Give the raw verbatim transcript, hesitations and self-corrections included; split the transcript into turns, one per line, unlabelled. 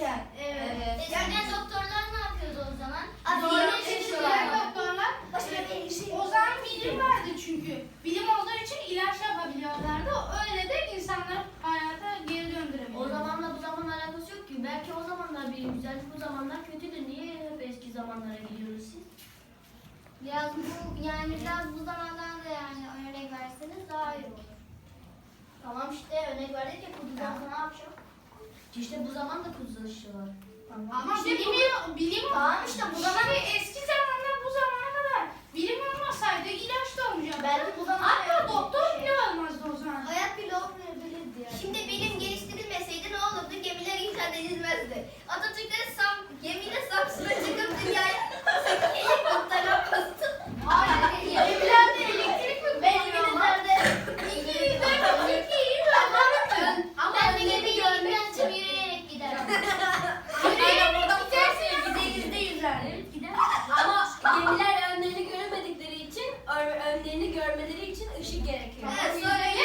Aynen.
Evet.
Eskiden doktorlar ne yapıyordu o zaman?
Doğru.
Eskiden doktorlar
Başka bir şey.
o zaman bilim vardı çünkü. Bilim olduğu için ilaç yapabiliyorlardı. Öyle de insanları hayata geri döndüremiyorlar.
O zamanla bu zaman alakası yok ki. Belki o zamanlar bilim güzeldi, bu zamanlar kötüdür. Niye hep eski zamanlara gidiyoruz siz?
Biraz bu yani biraz bu zamandan da yani örnek verseniz daha iyi olur.
Tamam işte örnek verdik ya, kuzudan sonra ne yapacağım? İşte bu zaman da kuzu aşı var.
Ama
İşte
bilim,
bu-
bilim
Tamam işte bu zaman
Şimdi eski zamandan bu zamana kadar bilim olmasaydı ilaç da olmayacak.
belki bu zaman
Hatta doktor bile olmazdı o zaman.
Hayat bile olmayabilirdi yani.
Şimdi bilim geliştirilmeseydi ne olurdu? Gemiler icat edilmezdi. Atatürk de Sam, gemiyle Samsun'a çıkıp dünyaya helikopter yapmasın.
Hayır,
Evlerde elektrik mi
Ben
kullanıyor?
İngilizler'de
İki yüz dört, iki yüz dört.
Ama ben de gemi görmek için yürüyerek giderim.
Aynen buradan gidersin. Yüzde yüzde yüzer.
Evet gider. Ama gemiler önlerini göremedikleri için, ön- önlerini görmeleri için ışık gerekiyor.
Evet, sonra